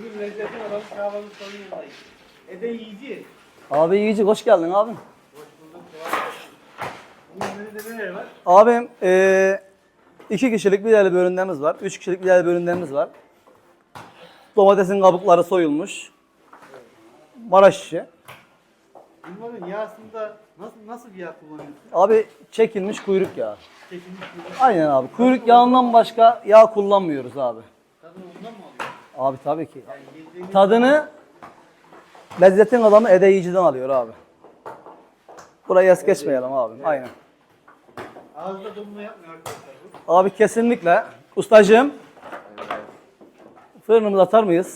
Bugün lezzetin adamı kahvaltı sorunundayız. Ede yiyici. Abi Yiğici hoş geldin abim. Hoş bulduk. Bugün menüde neler var? Abim 2 kişilik bir değerli bölümlerimiz var. 3 kişilik bir değerli bölümlerimiz var. Domatesin kabukları soyulmuş. Maraş işi. Bunların yağsında nasıl bir yağ kullanıyorsun? Abi çekilmiş kuyruk yağı. Çekilmiş bir yağ. Aynen abi. Kuyruk yağından başka yağ kullanmıyoruz abi. Tadını ondan mı alıyorsun? Abi tabii ki. Yani yediğimiz Tadını lezzetin adamı Ede Yiyici'den alıyor abi. Burayı es geçmeyelim abi. Aynen. ağızda dolma yapmıyor arkadaşlar bu. Abi kesinlikle. Ustacığım. Fırınımıza atar mıyız?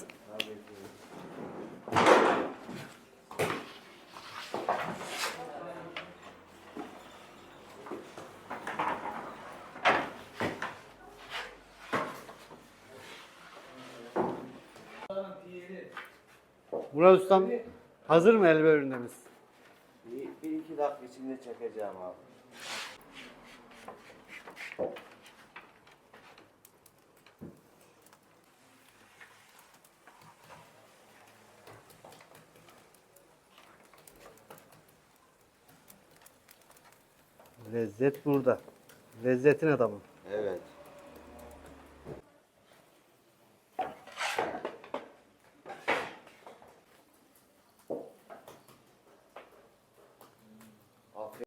Murat Ustam hazır mı helva ürünlerimiz? Bir iki dakika içinde çekeceğim abi. Lezzet burada. Lezzetin adamı. Evet.